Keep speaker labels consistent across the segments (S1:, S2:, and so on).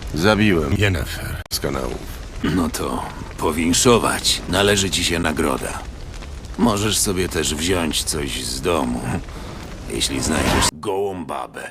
S1: Zabiłem Yennefer z kanałów.
S2: No to powinszować. Należy ci się nagroda. Możesz sobie też wziąć coś z domu, jeśli znajdziesz gołą babę.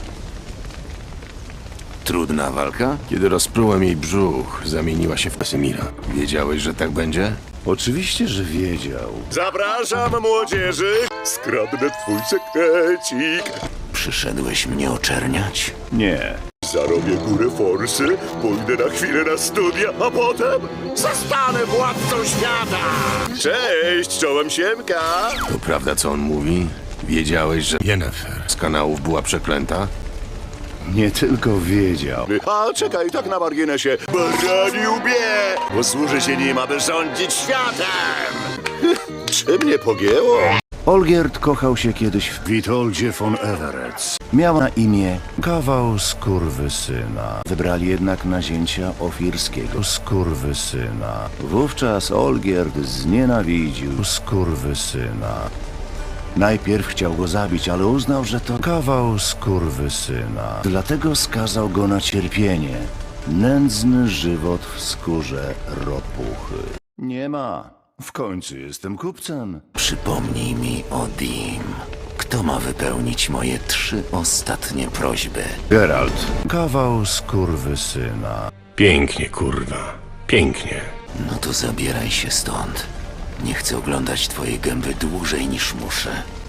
S2: Trudna walka?
S1: Kiedy rozprułem jej brzuch, zamieniła się w Wesemira. Wiedziałeś, że tak będzie?
S3: Oczywiście, że wiedział.
S4: Zapraszam młodzieży! Skradnę twój sekrecik.
S2: Przyszedłeś mnie oczerniać?
S3: Nie.
S4: Zarobię górę forsy, pójdę na chwilę na studia, a potem zostanę władcą świata! Cześć, czołem Siemka!
S1: To prawda, co on mówi? Wiedziałeś, że Yennefer z kanałów była przeklęta?
S3: Nie tylko wiedział.
S4: A czekaj, tak na marginesie, barani łbie! Posłuży się nim, aby rządzić światem! Czy mnie pogięło?
S3: Olgierd kochał się kiedyś w Witoldzie von Everett. Miał na imię kawał skurwysyna. Wybrali jednak nazięcia ofirskiego skurwysyna. Wówczas Olgierd znienawidził skurwysyna. Najpierw chciał go zabić, ale uznał, że to kawał skurwysyna. Dlatego skazał go na cierpienie. Nędzny żywot w skórze ropuchy. Nie ma. W końcu jestem kupcem.
S2: Przypomnij mi o Dim. Kto ma wypełnić moje 3 ostatnie prośby?
S3: Geralt. Kawał skurwysyna.
S1: Pięknie, kurwa. Pięknie.
S2: No to zabieraj się stąd. Nie chcę oglądać twojej gęby dłużej niż muszę.